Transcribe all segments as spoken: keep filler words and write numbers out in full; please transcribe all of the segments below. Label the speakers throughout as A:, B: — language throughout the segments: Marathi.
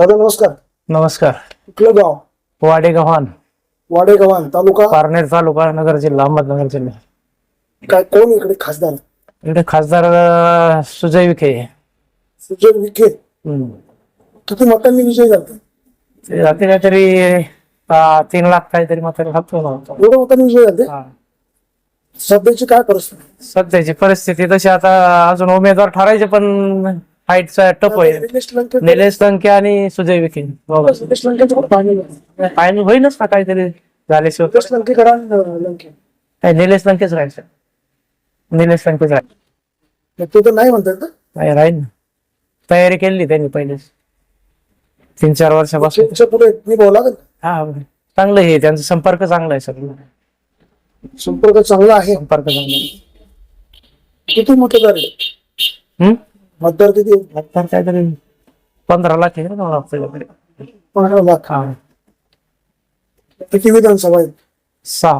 A: दादा नमस्कार.
B: नमस्कार.
A: कुठलं गाव?
B: वाडेगव्हाण.
A: वाडेगव्हाण तालुका
B: पारनेर तालुका नगर जिल्हा अहमदनगर जिल्हा.
A: काय कोण इकडे खासदार?
B: इकडे खासदार अं, सुजय विखे.
A: सुजय विखे.
B: हम्म.
A: किती मतांनी विजय झाला?
B: ते रात्री काहीतरी अं, तीन लाख काहीतरी मत लागतो ना.
A: एवढं मतांनी विजय झाले?
B: हा.
A: सध्याची काय परिस्थिती?
B: सध्याची परिस्थिती तशी आता अजून उमेदवार ठरायचे पण फाईटचा टप आहे.
A: निलेश लंके
B: निलेश लंके आणि सुजय विखे.
A: निलेश लंकेचं पण पाणी नाही.
B: फायनल होईनच ना काहीतरी झाल्याशिवाय.
A: निलेश लंकेकडे आणि लंके
B: नाही, निलेश लंकेच राहायचं. निलेश लंकेच राहायचं.
A: ते तर नाही म्हणतात ना.
B: नाही राहील ना. तयारी केली त्यांनी पहिलेच तीन चार वर्षापासून.
A: त्यांच्या पुढे मी बोला का?
B: हा चांगलं आहे त्यांचा संपर्क चांगला आहे सगळं.
A: संपर्क चांगला आहे.
B: संपर्क चांगला आहे.
A: किती मतदार आहे?
B: हम्म
A: मतदार किती?
B: मतदार काहीतरी पंधरा लाख आहे ना आपल्याकडे.
A: पंधरा लाख.
B: हा
A: किती विधानसभा आहेत?
B: सहा.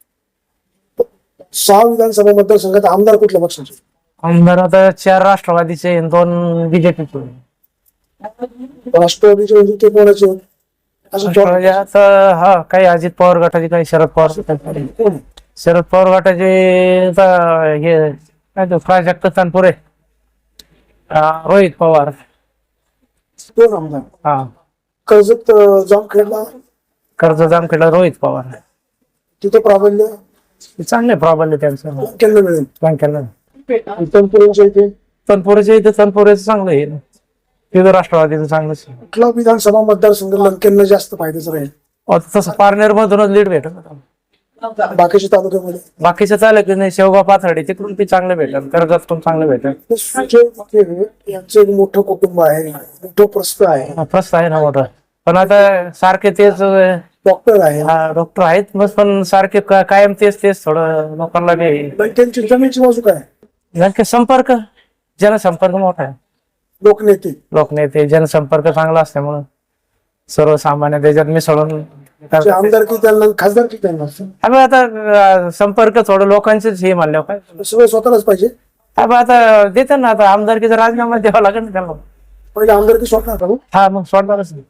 A: सहा विधानसभा मतदारसंघात आमदार कुठल्या पक्षाचे?
B: आमदार आता चार राष्ट्रवादीचे दोन बीजेपीचे.
A: राष्ट्रवादीचे म्हणजे ते कोणाचे? असं
B: राष्ट्रवादी आता हा काही अजित पवार गटाचे काही शरद पवार गटाचे.
A: कोण?
B: शरद पवार गटाचे आता हे काय तो प्राजक्त तनपुरे, अं, रोहित पवार.
A: दोन आमदार.
B: हा
A: कर्जत जामखेडला
B: कर्ज जामखेडला रोहित पवार.
A: तिथे प्राबल्य
B: चांगले प्राबल्य त्यांचं
A: केलं मिळेल.
B: बँकेला.
A: तनपुरेच्या इथे
B: तनपुरेच्या इथे तनपुरेचं चांगलं आहे ना. तिथं राष्ट्रवादीचं चांगलंच आहे.
A: कुठला विधानसभा मतदारसंघ लंकेंना जास्त फायद्याचं राहील?
B: आता तसं पारनेर मधूनच लीड भेटत.
A: बाकीच्या तालुक्यामध्ये
B: बाकीचं चालेल की नाही. शेवगाव पाथर्डी तिकडून ती चांगलं भेटेल. कर्जत पण चांगलं भेटेल.
A: ते सुजय विखे यांचं एक मोठं कुटुंब आहे, मोठं प्रस्थ आहे,
B: हा, प्रश्न आहे ना मोठा. पण आता सारखे तेच
A: डॉक्टर आहे.
B: डॉक्टर आहेत मग पण सारखे का- कायम तेच तेच थोडं लोकांना बी
A: लंकेंची जमीनची बाजू काय?
B: नेमके संपर्क जनसंपर्क मोठा आहे.
A: लोकनेते
B: लोकनेते जनसंपर्क चांगला असल्यामुळं सर्वसामान्य त्याच्यात मिसळून
A: जे आमदार की त्यांना खासदार की त्यांना
B: आम्ही आता अं, संपर्क थोडं लोकांचेच हे मानल्यावर काय
A: सगळं स्वतःलाच पाहिजे.
B: आम्ही आता देतात ना. आता आमदारकीचा राजीनामा द्यावा लागेल ना त्यांना.
A: पहिले आमदार की स्वतः करू.
B: हा मग सोडणारच नाही.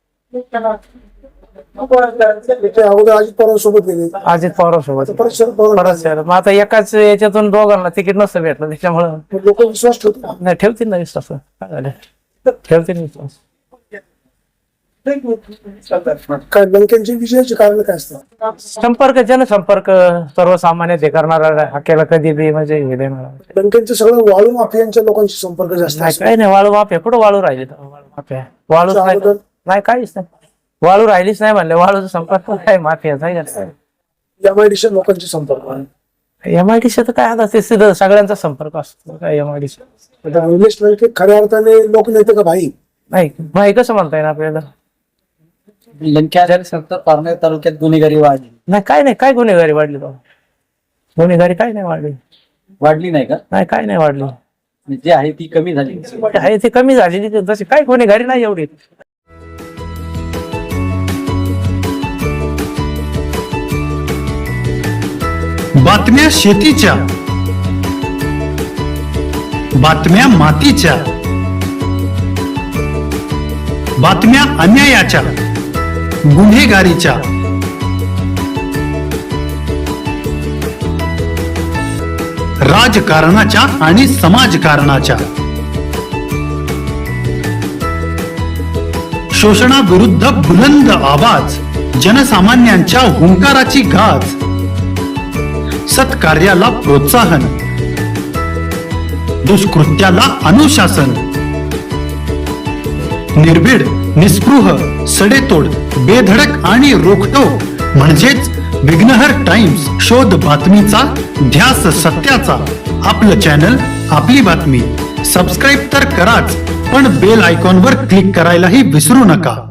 A: ते अगोदर अजित पवार सोबत गेले,
B: अजित पवार सोबत
A: परत शरद पवार.
B: परत शहर. मग आता एकाच याच्यातून दोघांना तिकीट नसतं भेटलं त्याच्यामुळं
A: लोक विश्वास ठेवतात.
B: नाही ठेवतील ना विश्वास. काय झालं ठेवतील विश्वास.
A: काय लंकेंची विजयाची कारण काय असतात?
B: संपर्क जनसंपर्क सर्वसामान्य ते करणारा हाकेला कधी बी म्हणजे हे देणार.
A: लंकेंचं सगळं वाळू माफियांच्या लोकांशी संपर्क जास्त
B: नाही
A: असतो.
B: काही नाही. वाळू माफिया कुठं वाळू राहिले वाळू माफिया वाळूच नाही.
A: अगोदर
B: नाही काहीच नाही. वाळू राहिलीच नाही म्हणले. वाळूचा संपर्क काय माफियाचा
A: एमआयडीसी लोकांचे संपर्क.
B: एमआयडी तर काय आता ते सिधं सगळ्यांचा संपर्क असतो. काय एमआयडी
A: आता निलेश लंके खऱ्या अर्थाने लोकनेते का भाई?
B: नाही भाई कसं म्हणता येईल आपल्याला.
C: लंक्याच्या पारनेर तालुक्यात गुन्हेगारी वाढली
B: नाही काय नाही. काय गुन्हेगारी वाढली तो गुन्हेगारी काय नाही वाढली.
C: वाढली नाही का?
B: नाही काय नाही वाढली.
C: जे आहे ती कमी झाली.
B: आहे ते कमी झालेली तशी काय गुन्हेगारी नाही एवढी.
D: बातम्या शेतीच्या, बातम्या मातीच्या, बातम्या अन्यायाच्या, गुन्हेगारीच्या, राजकारणाच्या आणि समाजकारणाच्या, शोषणाविरुद्ध बुलंद आवाज, जनसामान्यांच्या हुंकाराची गाज, सत्कार्याला प्रोत्साहन, दुष्कृत्याला अनुशासन, निर्भीड, निस्पृह, सडेतोड, बेधडक आणि रोखटोक म्हणजेच विघ्नहर टाइम्स. शोध बातमीचा, ध्यास सत्याचा. आपलं चॅनल, आपली बातमी. सबस्क्राईब तर कराच, पण बेल आयकॉनवर क्लिक करायलाही विसरू नका.